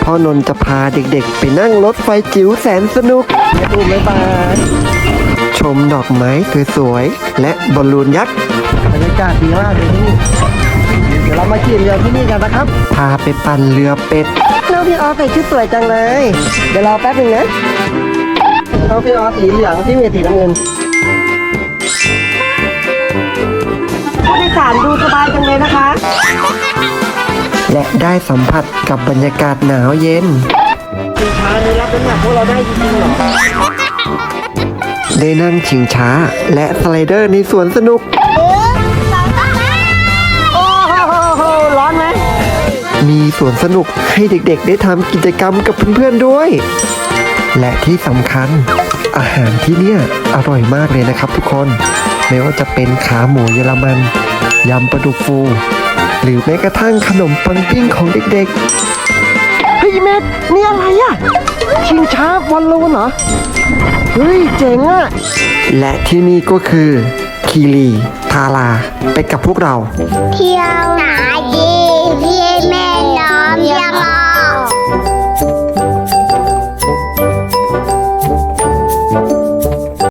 พ่อนนท์จะพาเด็กๆไปนั่งรถไฟจิ๋วแสนสนุกดูไหมบายชมดอกไม้สวยๆและบอลลูนยักษ์บรรยากาศดีมากเลยที่นี่เดี๋ยวเรามาขี่เรือที่นี่กันนะครับพาไปปั่นเรือเป็ดน้องพี่ออฟใส่ชุดสวยจังเลยเดี๋ยวรอแป๊บนึงนะน้องพี่ออฟสีเหลืองที่มีสีน้ำเงินผู้โดยสารดูสบายจังเลยนะคะ และได้สัมผัสกับบรรยากาศหนาวเย็นชิงช้าได้รับน้ำหนักพวกเราได้จริงๆหรอได้นั่งชิงช้าและสไลเดอร์ในสวนสนุกโอ้โหร้อนไหมมีสวนสนุกให้เด็กๆได้ทำกิจกรรมกับเพื่อนๆด้วยและที่สำคัญอาหารที่เนี่ยอร่อยมากเลยนะครับทุกคนไม่ว่าจะเป็นขาหมูเยอรมันยำปลาดุกฟูหรือแม้กระทั่งขนมปังปิ้งของเด็กๆเฮ้ยเม็ดนี่อะไรอะชิงช้าบอลลูนเหรอเฮ้ยเจ๋งอะและที่นี่ก็คือคีรีทาราไปกับพวกเราเที่ยว